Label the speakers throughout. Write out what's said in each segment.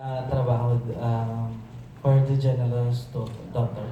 Speaker 1: trabaho for the general's daughter.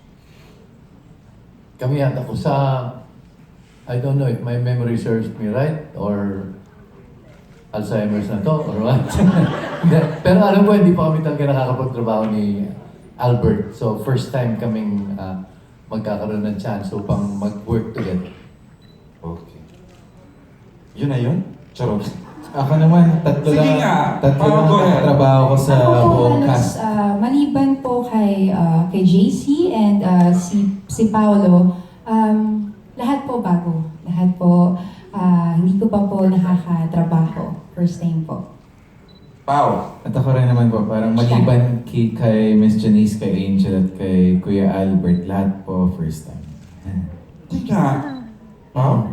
Speaker 2: Kami yata ko sa, I don't know if my memory serves me right or Alzheimer's na to or what. Pero alam ko, hindi pa kami talaga nakakapagtrabaho ni Albert. So first time kaming magkakaroon ng chance upang mag-work together.
Speaker 3: Okay. Yun na yun? Charot.
Speaker 4: Ako naman, tatlo
Speaker 3: Sige
Speaker 4: lang,
Speaker 3: nga.
Speaker 4: tatlo lang
Speaker 3: Go ahead.
Speaker 4: trabaho ko sa
Speaker 5: Ako po
Speaker 4: buong
Speaker 5: halos,
Speaker 4: cast.
Speaker 5: maliban po kay JC and si Paolo, lahat po bago. Lahat po, hindi ko pa po nakakatrabaho. First time po.
Speaker 3: Pao.
Speaker 4: At ako rin naman po, parang maliban kay Miss Janice, kay Angel at kay Kuya Albert, lahat po first time.
Speaker 3: Di nga. Pao?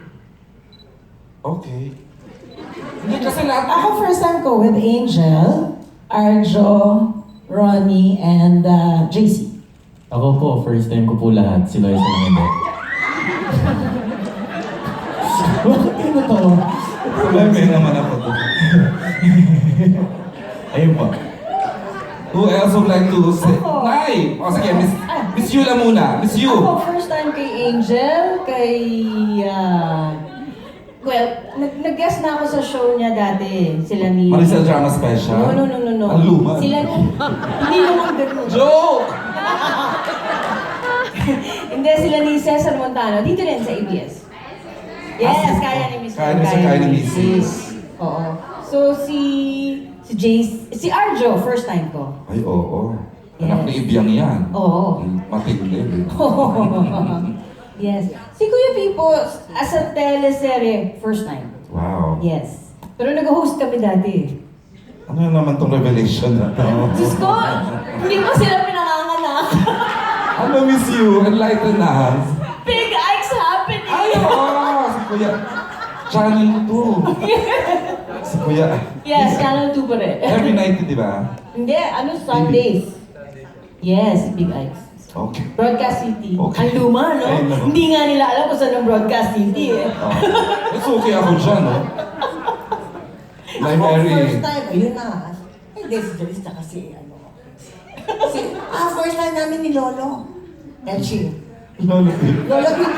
Speaker 3: Okay. Hindi kasi lahat.
Speaker 6: Ako first time ko with Angel, Arjo, Ronnie, and JC.
Speaker 1: Ako po, first time ko po lahat. Si Loisa lang hindi.
Speaker 6: Bakit ano to?
Speaker 3: May naman ako doon.
Speaker 4: Ayun po.
Speaker 3: Who else would like to say?
Speaker 6: Ako.
Speaker 3: Nay! O sige, Miss Yula muna. Miss Yu.
Speaker 6: Ako first time kay Angel, well, nag-guest na ako sa show niya dati. Sila ni...
Speaker 3: Maricel Drama Special?
Speaker 6: No.
Speaker 3: Ang luma.
Speaker 6: Sila hindi naman ganun.
Speaker 3: Joke!
Speaker 6: Hindi, sila ni Cesar Montano. Dito rin sa ABS. Yes, kaya ni Miss
Speaker 3: Kaya ni Mrs.
Speaker 6: Oo. So, si Jace, si Arjo, first time ko.
Speaker 3: Ay, oo.
Speaker 6: Yes.
Speaker 3: Anak ni Ibiang yan.
Speaker 6: Oo.
Speaker 3: Matindi.
Speaker 6: Yes. Si Kuya Pipo, as a teleserye, first time.
Speaker 3: Wow.
Speaker 6: Yes. Pero nag-host kami dati.
Speaker 3: Ano naman tong revelation na to?
Speaker 6: Diyos ko, hindi pa sila pinanganganak.
Speaker 3: Ano, Miss Yu? Enlighten us.
Speaker 6: Big Ike's happening!
Speaker 3: Ay, oo! Si Kuya. Channel 2. Si Kuya.
Speaker 6: Yes, Channel 2 pa rin.
Speaker 3: Every night, di ba?
Speaker 6: Hindi, Sundays. Yes, Big Ike's.
Speaker 3: Okay.
Speaker 6: Broadcast City.
Speaker 3: Okay.
Speaker 6: Ang luma, no?
Speaker 3: Ay, no.
Speaker 6: Hindi nga nila alam kung saan ang Broadcast City, eh.
Speaker 3: Oh. It's okay ako dyan, no? My Mary.
Speaker 7: First time, ayun na. Hindi, si Joyce na kasi, first time namin ni Lolo. Elchie.
Speaker 3: Lolo.
Speaker 7: Lolo Pipo.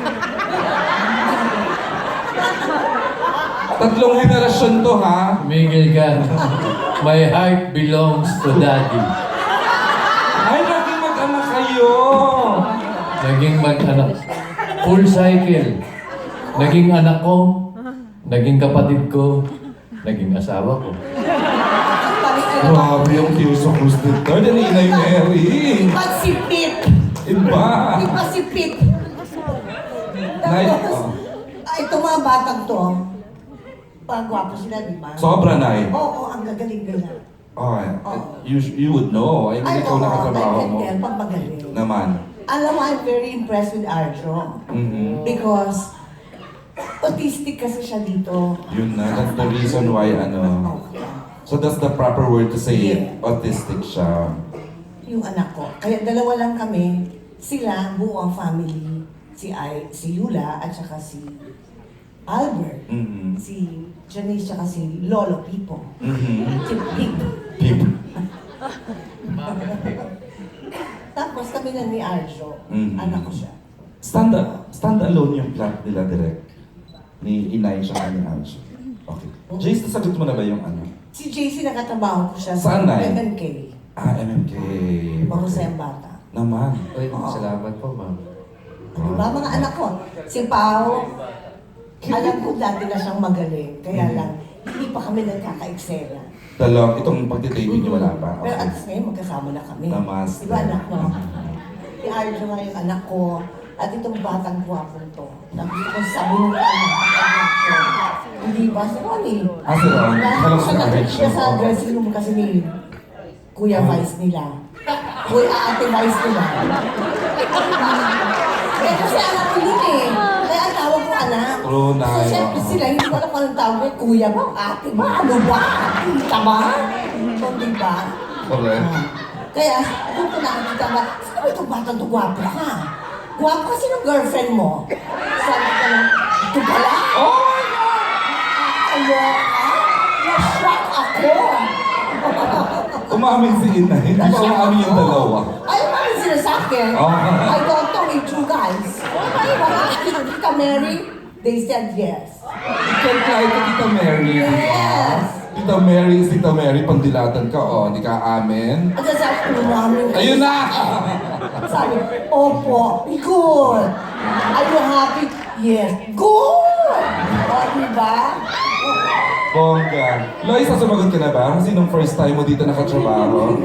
Speaker 3: Tatlong henerasyon to, ha?
Speaker 2: Miguel ka. My heart belongs to Daddy.
Speaker 3: Ay, naging mag-anak kayo!
Speaker 2: Naging mag-anak. Full cycle. Naging anak ko. Naging kapatid ko. Naging asawa ko.
Speaker 3: Grabe yung Tears of Cruz the Third and Inay Mary.
Speaker 7: Pasipit.
Speaker 3: Iba.
Speaker 7: Pasipit.
Speaker 3: Nice.
Speaker 7: Tapos, itong mga batang to, pagwapo sila, di ba?
Speaker 3: Sobra, Nay.
Speaker 7: Oo, ang gagaling-galing.
Speaker 3: Okay. You would know. I mean, ikaw nakatrabaho mo.
Speaker 7: I can tell, pag magaling.
Speaker 3: Naman.
Speaker 7: Alam mo, I'm very impressed with Arjo.
Speaker 3: Mhm.
Speaker 7: Because, autistic kasi siya dito.
Speaker 3: Yun na. That's the reason why, ano.
Speaker 7: Okay.
Speaker 3: So that's the proper word to say it.
Speaker 7: Yeah.
Speaker 3: Autistic siya.
Speaker 7: Yung anak ko. Kaya dalawa lang kami. Sila, buo ang family. Si Yula at saka si Albert.
Speaker 3: Mhm.
Speaker 7: Si Janice at si Lolo Pipo.
Speaker 3: Mhm.
Speaker 7: Si Pip.
Speaker 3: Pip.
Speaker 7: Tapos kami lang ni Arjo.
Speaker 3: Mhm.
Speaker 7: Anak ko siya.
Speaker 3: Stand alone yung plot nila direct. Ni Inay siya ni Anjo. Okay. Jace, nasagot mo na ba yung ano?
Speaker 7: Si JC nakatrabaho ko siya
Speaker 3: Saan na eh?
Speaker 7: MMK.
Speaker 3: MMK.
Speaker 7: Mahusay ang bata.
Speaker 3: Naman.
Speaker 2: Ay, salamat po, ma'am.
Speaker 7: Diba mga anak ko? Si Pao, alam ko dati na siyang magaling. Kaya lang, hindi pa kami nagkaka-eksena.
Speaker 3: Itong pagtitaping niyo wala pa.
Speaker 7: Pero at
Speaker 3: Okay.
Speaker 7: least ngayon magkasama na kami.
Speaker 3: Namaste.
Speaker 7: Diba anak mo? Si Arjo nga yung anak ko. At itong batang guwapong to. Sabi ko sa bunga ko. Hindi ba? Si Ronnie.
Speaker 3: Si Ron. Alam ko na rin siya.
Speaker 7: Siya sa dressing room kasi ni Kuya Vice nila. Kuya Ate Vice nila. Eh kasi anak ko yun eh. Kaya ang tawag ko anak.
Speaker 3: True na
Speaker 7: So
Speaker 3: yun.
Speaker 7: syempre sila, hindi ko alam kung anong tawag ko. Kuya ba? Ate ba? Ano ba? Tita ba? So diba?
Speaker 3: Correct.
Speaker 7: Kaya, kung ko nakakita ba, sino ba itong batang to? Gwapo ka. Gwapo kasi ng girlfriend mo. Sabi ko lang, ito pala?
Speaker 3: Oh my God!
Speaker 7: Ayaw ka? Na-shock ako.
Speaker 3: umamin si Inay. Hindi pa umamin yung dalawa.
Speaker 7: Ay, ano sila sa akin?
Speaker 3: Oh.
Speaker 7: I don't know with you guys. Tita Mary, they said yes.
Speaker 3: Ikaw kahit ka Tita Mary.
Speaker 7: Yes.
Speaker 3: Tita Mary is Tita Mary, pandilatan ka, oh. Hindi ka amin.
Speaker 7: At sabi ko namin.
Speaker 3: Ayun na!
Speaker 7: Sabi, opo, good. Are you happy? Yes. Good! O, diba?
Speaker 3: Bongga. Loisa, sumagot ka na ba? Sinong first time mo dito nakatrabaho?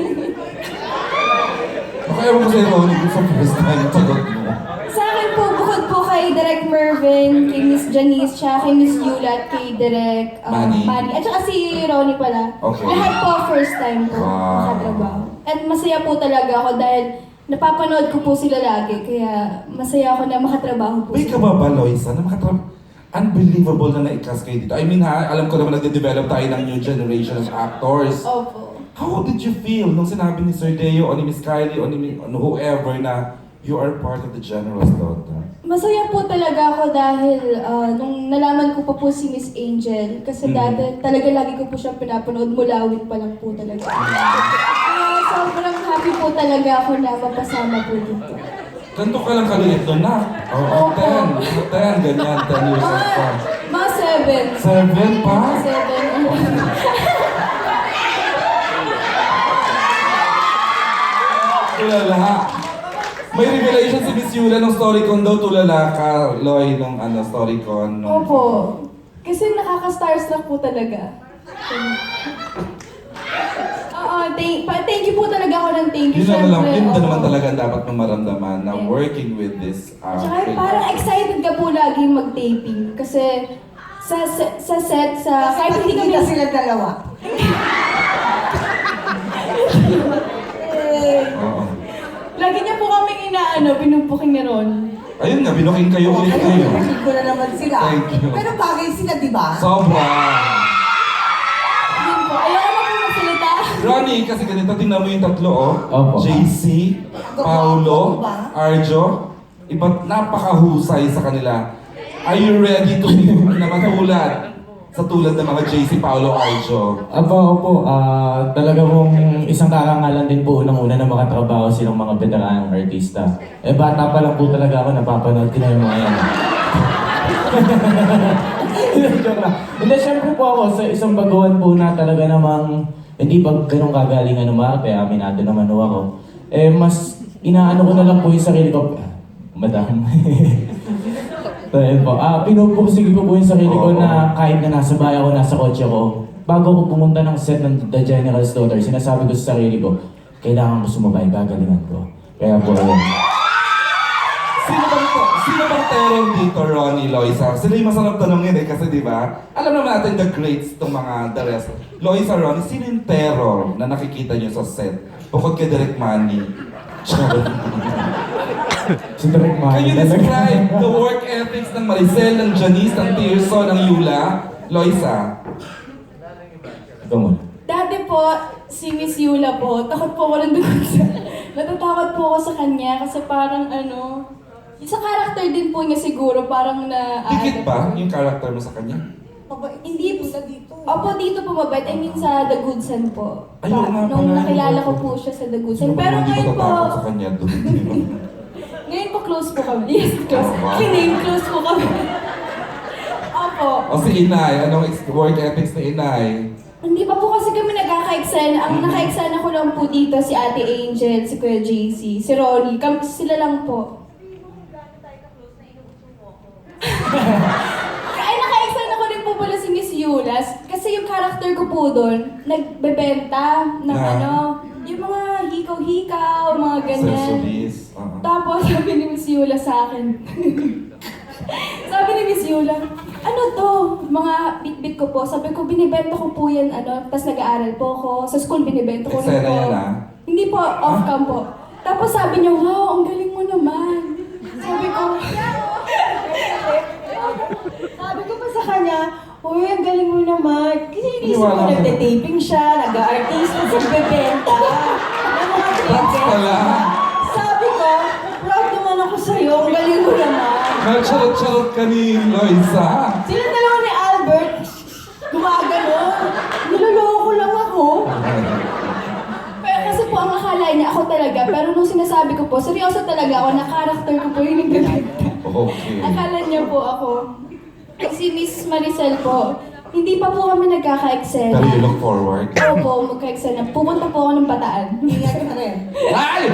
Speaker 3: Baka ewan ko sa'yo, Ronnie, kung sa first time sagot mo.
Speaker 8: Sa akin po, bukod po kay Direk Mervin, kay Miss Janice, siya, kay Miss Yula, at kay Direk
Speaker 3: Manny.
Speaker 8: At saka si Ronnie pala.
Speaker 3: Okay.
Speaker 8: Lahat po first time po
Speaker 3: Wow.
Speaker 8: makatrabaho. At masaya po talaga ako dahil napapanood ko po sila lagi. Kaya masaya ako na makatrabaho po
Speaker 3: May ka ba, Loisa, na unbelievable na na-cast kayo dito? I mean ha, alam ko naman nagde-develop tayo ng new generation of actors.
Speaker 8: Opo.
Speaker 3: How did you feel nung sinabi ni Sir Deo o ni Miss Kylie o ni whoever na you are part of the General's Daughter?
Speaker 8: Masaya po talaga ako dahil nung nalaman ko pa po si Miss Angel, kasi dati talaga lagi ko po siyang pinapanood, mulawin pa lang po talaga. Sobrang happy po talaga ako na mapasama po dito.
Speaker 3: Ganto ka lang kaliit doon na. Oo, 10, ganyan, 10 years old pa.
Speaker 8: Mga 7.
Speaker 3: 7 pa?
Speaker 8: 7.
Speaker 3: Tulala. May revelation si Miss Yula ng Storycon daw, tulala ka, Loy, nung Storycon.
Speaker 8: Opo. Kasi nakaka-starstruck po talaga. Oo, thank you po talaga ako ng thank you.
Speaker 3: Yun naman, yun
Speaker 8: Syempre,
Speaker 3: naman
Speaker 8: oo.
Speaker 3: talaga ang dapat mong maramdaman na
Speaker 8: Yes.
Speaker 3: working with this
Speaker 8: Tsaka parang excited ka po lagi mag-taping. Kasi sa set,
Speaker 7: Kasi
Speaker 8: kahit hindi kami...
Speaker 7: nakikita sila dalawa.
Speaker 3: Oo.
Speaker 8: Lagi niya po kaming pinupuking ni Ron.
Speaker 3: Ayun nga, binuking kayo ulit kayo.
Speaker 7: Kasi ko na naman sila.
Speaker 3: Thank you.
Speaker 7: Pero bagay sila, di ba?
Speaker 3: Sobra.
Speaker 8: Yun po. Ayoko na po magsalita.
Speaker 3: Ronnie, kasi ganito, tingnan mo yung tatlo, oh.
Speaker 4: Opo.
Speaker 3: JC, Paolo,
Speaker 7: Ba?
Speaker 3: Arjo. Iba't napakahusay sa kanila. Are you ready to be na matulad sa tulad ng mga JC, Paolo, Arjo?
Speaker 1: Opo, talaga pong isang karangalan din po unang-una na makatrabaho silang mga veteranang artista. Bata pa lang po talaga ako, napapanood ko na yung mga yan. Joke lang. Hindi, syempre po ako sa isang baguhan po na talaga namang hindi pa ganun kagalingan umarte, aminado naman ho ako. Mas inaano ko na lang po yung sarili ko. Madam. Dahil po, pinupursige ko po yung sarili ko na kahit na nasa bahay ako, nasa kotse ko, bago ko pumunta ng set ng The General's Daughter, sinasabi ko sa sarili ko, kailangan ko sumabay, gagalingan ko. Kaya po, ayun.
Speaker 3: Sino bang terror dito, Ronnie, Loisa? Sila yung masarap tanongin kasi di ba? Alam naman natin the greats itong mga the rest. Loisa, Ronnie, sino yung terror na nakikita nyo sa set? Bukod kay Direk Manny.
Speaker 1: Si Direk
Speaker 3: Can
Speaker 1: Manny
Speaker 3: you describe the work ethics ng Maricel, ng Janice, ng Tirso, ng Yula? Loisa?
Speaker 1: Ikaw muna.
Speaker 8: Dati po, si Miss Yula po, takot po ako ng dugot sa... Natatakot po ako sa kanya kasi parang sa character din po niya siguro, parang na...
Speaker 3: Dikit ba yung character mo sa kanya?
Speaker 8: Hindi po.
Speaker 7: Sila dito.
Speaker 8: Opo, dito po mabait. I mean sa The Good Son po.
Speaker 3: Ayun nga
Speaker 8: Nung
Speaker 3: pala,
Speaker 8: nakilala
Speaker 3: yun.
Speaker 8: ko po siya sa The Good
Speaker 3: Sino
Speaker 8: Son.
Speaker 3: ba
Speaker 8: Pero
Speaker 3: naman hindi
Speaker 8: ngayon po,
Speaker 3: matatakot sa kanya doon? Di ba?
Speaker 8: ngayon po close po kami. Yes, close.
Speaker 3: Oh, wow.
Speaker 8: Kidding, close po kami. Opo.
Speaker 3: O si Inay, anong work ethics ni Inay?
Speaker 8: Hindi pa po kasi kami nagkaka-eksena. Ang naka-eksena ko lang po dito si Ate Angel, si Kuya JC, si Ronnie. Sila lang po. Ay, naka-eksena ko rin po pala si Miss Yulas. Kasi yung character ko po doon, nagbebenta ng yung mga hikaw-hikaw, mga ganyan.
Speaker 3: Accessories.
Speaker 8: Tapos sabi ni Miss Yula sa akin, sabi ni Miss Yula, ano to? Mga bit-bit ko po. Sabi ko, binibenta ko po yan, tapos nag-aaral po ako. Sa school, binibenta ko rin
Speaker 3: Eksena
Speaker 8: po.
Speaker 3: yan,
Speaker 8: Hindi po, off-cam po. Tapos sabi niya, wow, ang galing mo naman. Sabi ko, sabi ko pa sa kanya, uy, ang galing mo naman. Kasi inisip ko,
Speaker 3: Iniwala ka.
Speaker 8: nagte-taping siya, nag-artist, tapos nagbebenta. Ng mga
Speaker 3: Props pala.
Speaker 8: Sabi ko, proud naman ako sa'yo, ang galing mo naman.
Speaker 3: Nagcharot-charot ka ni Loisa.
Speaker 8: Sila dalawa ni Albert, gumagano. Niloloko lang ako. niya ako talaga. Pero nung sinasabi ko po, seryoso talaga ako na character ko po yung nagdadagdag.
Speaker 3: Okay.
Speaker 8: Akala niya po ako. Si Miss Maricel po, hindi pa po kami
Speaker 3: Pero
Speaker 8: nagkaka-eksena.
Speaker 3: you look forward.
Speaker 8: Opo, magka-eksena. Pupunta po ako ng Bataan.
Speaker 7: Ingat ka rin.
Speaker 3: Ay!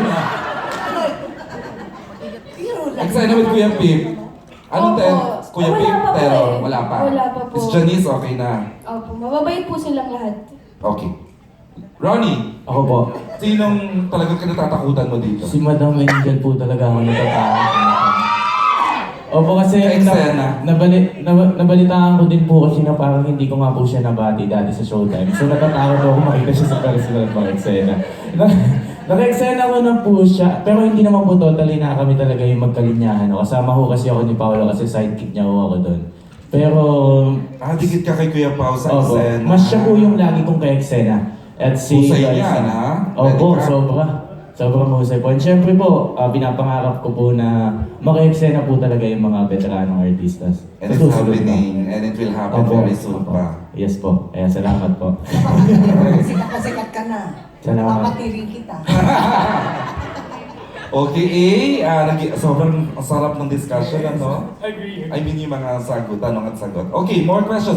Speaker 7: Biro lang.
Speaker 3: Eksena with Kuya Pip. Anong
Speaker 8: Opo.
Speaker 3: Kuya
Speaker 8: Wala
Speaker 3: Pip?
Speaker 8: pa po
Speaker 3: Pero
Speaker 8: eh.
Speaker 3: wala pa.
Speaker 8: Wala pa po.
Speaker 3: Miss Janice, okay na.
Speaker 8: Opo, mababait po silang lahat.
Speaker 3: Okay. Ronnie,
Speaker 1: Ako po,
Speaker 3: sinong talagang kinatatakutan mo dito?
Speaker 1: si Madam Angel po talaga ako natatakot. Opo kasi
Speaker 3: Ka-eksena.
Speaker 1: nabalitaan ko din po kasi na parang hindi ko nga po siya nabati dati sa Showtime. So natatakot ako makita siya sa personal pang-eksena. Naka-eksena ko na po siya, pero hindi naman po totally na kami talaga yung magkalinyahan. Kasama ko kasi ako ni Paolo kasi sidekick niya ako doon. Pero,
Speaker 3: Dikit ka kay Kuya Pao sa
Speaker 1: opo,
Speaker 3: eksena.
Speaker 1: mas siya po yung lagi kong ka-eksena. At si
Speaker 3: Husay
Speaker 1: Loisa.
Speaker 3: niyan, ha?
Speaker 1: Opo,
Speaker 3: Pwede ka?
Speaker 1: sobra. Sobrang husay po. And syempre po, pinapangarap ko po na maka-eksena po talaga yung mga veteranong artistas.
Speaker 3: And it's
Speaker 1: Sa susunod na.
Speaker 3: happening, and it will happen
Speaker 1: Opo,
Speaker 3: very soon
Speaker 1: opo.
Speaker 3: pa.
Speaker 1: Yes po. Kaya salamat po.
Speaker 7: Sikat na sikat ka na.
Speaker 1: Salamat.
Speaker 7: Papatirin kita.
Speaker 3: Okay, sobrang sarap ng discussion, ano? I mean, yung mga sagot, tanong at sagot. Okay, more questions.